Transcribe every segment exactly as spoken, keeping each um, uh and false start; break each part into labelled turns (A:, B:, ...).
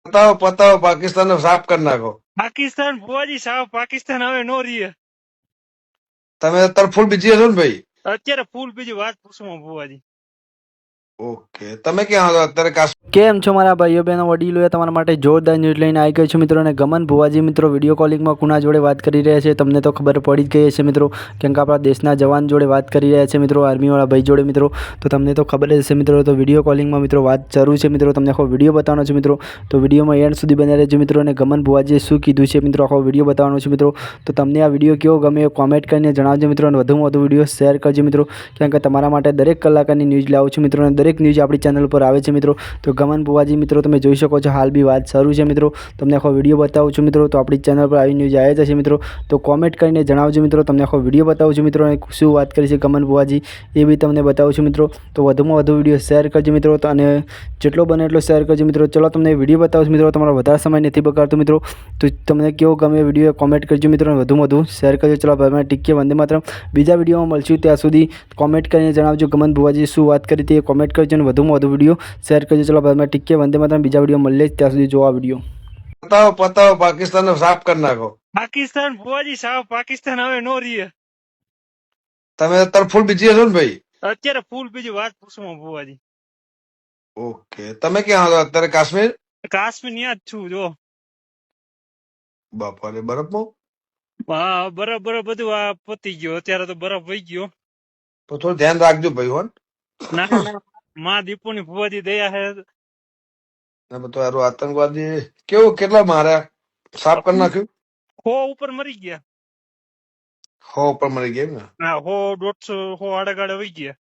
A: પતાવો પતાવો પાકિસ્તાન સાફ કરી નાખો.
B: પાકિસ્તાન ભુવાજી સાવ પાકિસ્તાન હવે નો રહીએ.
A: તમે અત્યારે ફૂલ બીજી હશો ને ભાઈ?
B: અત્યારે ફૂલ બીજી વાત પૂછવા ભુવાજી.
A: ઓકે, તમે ક્યાં હતો અત્યારે? કાશ્મીર.
C: કેમ છો મારા ભાઈઓ બહેનો વડીલોએ તમારા માટે જોરદાર ન્યૂઝ લઈને આવી ગયો છું મિત્રો. અને ગમન ભુવાજી મિત્રો વિડીયો કોલિંગમાં કુના જોડે વાત કરી રહ્યા છે તમને તો ખબર પડી જ ગઈ હશે મિત્રો, કેમ કે આપણા દેશના જવાન જોડે વાત કરી રહ્યા છે મિત્રો, આર્મીવાળા ભાઈ જોડે મિત્રો. તો તમને તો ખબર જ હશે મિત્રો. તો વિડીયો કોલિંગમાં મિત્રો વાત શરૂ છે મિત્રો. તમને આખો વિડીયો બતાવવાનો છે મિત્રો. તો વિડીયોમાં એન્ડ સુધી બન્યા રહેજો મિત્રો. અને ગમન ભુવાજીએ શું કીધું છે મિત્રો આખો વિડીયો બતાવવાનો છે મિત્રો. તો તમને આ વિડીયો કેવો ગમે એ કોમેન્ટ કરીને જણાવજો મિત્રો. અને વધુમાં વધુ વિડીયો શેર કરજો મિત્રો, કેમ કે તમારા માટે દરેક કલાકારની ન્યૂઝ લાવું છું મિત્રો. અને દરેક ન્યૂઝ આપણી ચેનલ ઉપર આવે છે મિત્રો. તો ગમન ભુવાજી મિત્રો તમે જોઈ શકો છો હાલ બી વાત શરૂ છે મિત્રો. તમને આખો વિડીયો બતાવું છું મિત્રો. તો આપણી ચેનલ પર આવી ન્યૂઝ આવી જશે મિત્રો. તો કોમેન્ટ કરીને જણાવજો મિત્રો. તમને આખો વિડીયો બતાવું છું મિત્રો. અને શું વાત કરી છે ગમન ભુવાજી એ બી તમને બતાવું છું મિત્રો. તો વધુમાં વધુ વિડીયો શેર કરજો મિત્રો. તો અને જેટલો બને એટલો શેર કરજો મિત્રો. ચલો તમને વિડીયો બતાવું છું મિત્રો. તમારો વધારે સમય નથી બગાડતો મિત્રો. તો તમને કેવો ગમે વિડીયો કોમેન્ટ કરજો મિત્રો. અને વધુમાં વધુ શેર કરજો. ચલો ભાઈ ટીકે વંદે માતરમ. બીજા વિડીયોમાં મળશું ત્યાં સુધી કોમેન્ટ કરીને જણાવજો ગમન ભુવાજી શું વાત કરી હતી એ કોમેન્ટ કરજો. અને વધુમાં વધુ વિડીયો શેર કરજો. ચલો ભાઈ ટીકે વંદે માતરમ. બીજા વિડીયો મળીએ ત્યાં સુધી જોવા વિડીયો.
A: પતાવો પતાવો પાકિસ્તાન સાફ કરી નાખો.
B: પાકિસ્તાન ભુવાજી સાવ પાકિસ્તાન હવે નો રહીએ.
A: તમે અત્યારે ફૂલ બીજી હશો ને ભાઈ?
B: અત્યારે ફૂલ બીજી વાત પૂછવા ભુવાજી.
A: ઓકે, તમે ક્યાં હતો અત્યારે? કાશ્મીર.
B: કાશ્મીર ન્યા જ છું જો.
A: બાપારે, બરફમાં?
B: હા બરફ બરફ બધું આ પતી ગયો. અત્યારે તો બરફ વહી ગયો.
A: તો થોડું ધ્યાન રાખજો ભાઈ. હોન
B: ના ના માં દીપુની ભુવાજી દયા હે.
A: તો હારું આતંકવાદી કેવું કેટલા માર્યા? સાફ કરી નાખ્યું?
B: હો ઉપર મરી ગયા.
A: હો ઉપર મરી ગયા ને?
B: હા હો દોઢસો હો આડે વહી ગયા.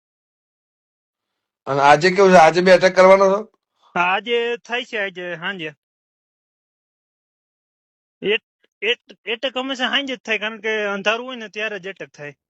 A: અને આજે કેવું છે? આજે બે અટેક કરવાનો છો?
B: આજે થાય છે આજે સાંજે. એટેક હંમેશા સાંજે જ થાય, કારણ કે અંધારું હોય ને ત્યારે જ એટેક થાય.